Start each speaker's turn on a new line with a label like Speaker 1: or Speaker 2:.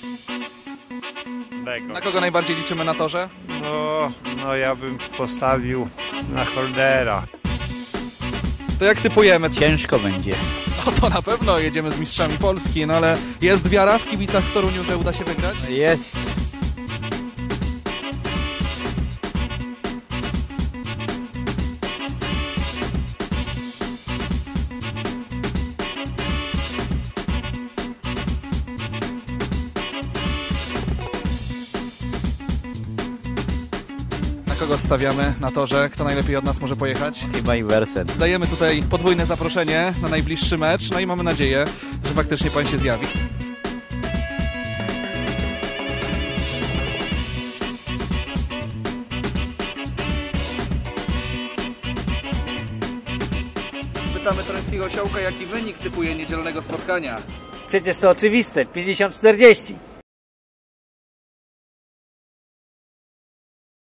Speaker 1: Na kogo najbardziej liczymy na torze?
Speaker 2: No ja bym postawił na Holdera.
Speaker 1: To jak typujemy?
Speaker 3: Ciężko będzie.
Speaker 1: No to na pewno jedziemy z mistrzami Polski, no ale jest wiara w kibicach w Toruniu, że uda się wygrać?
Speaker 3: Jest.
Speaker 1: Kogo stawiamy na torze? Kto najlepiej od nas może pojechać?
Speaker 3: Chyba Iversen.
Speaker 1: Dajemy tutaj podwójne zaproszenie na najbliższy mecz, no i mamy nadzieję, że faktycznie pan się zjawi. Pytamy toruńskiego osiołka, jaki wynik typuje niedzielnego spotkania.
Speaker 3: Przecież to oczywiste, 50-40.